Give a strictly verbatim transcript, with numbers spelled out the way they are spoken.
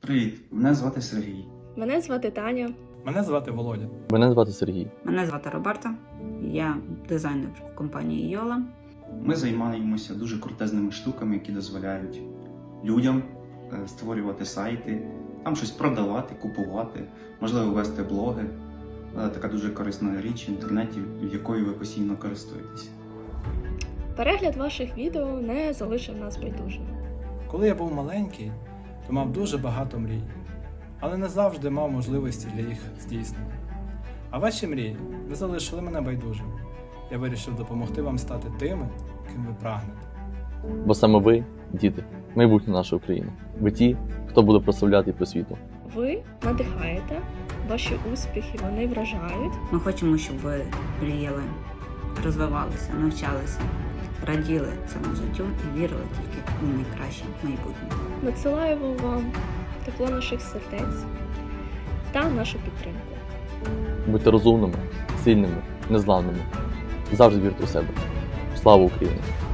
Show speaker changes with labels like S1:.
S1: Привіт, мене звати Сергій.
S2: Мене звати Таня.
S3: Мене звати Володя.
S4: Мене звати Сергій.
S5: Мене звати Роберта, я дизайнер в компанії Йола.
S1: Ми займаємося дуже крутезними штуками, які дозволяють людям е, створювати сайти, там щось продавати, купувати, можливо, вести блоги. Е, Така дуже корисна річ в інтернеті, якою ви постійно користуєтеся.
S2: Перегляд ваших відео не залишив нас байдужими.
S3: Коли я був маленький, то мав дуже багато мрій, але не завжди мав можливості для їх здійснення. А ваші мрії не залишили мене байдужим. Я вирішив допомогти вам стати тими, ким ви прагнете.
S4: Бо саме ви, діти, майбутнє нашої України. Ви ті, хто буде прославляти просвіту.
S2: Ви надихаєте, ваші успіхи вони вражають.
S5: Ми хочемо, щоб ви мріяли, розвивалися, навчалися, раділи цьому життю і вірили тільки в найкраще майбутнє.
S2: Надсилаємо вам тепло наших сердець та нашу підтримку.
S4: Будьте розумними, сильними, незламними. Завжди вірте у себе. Слава Україні!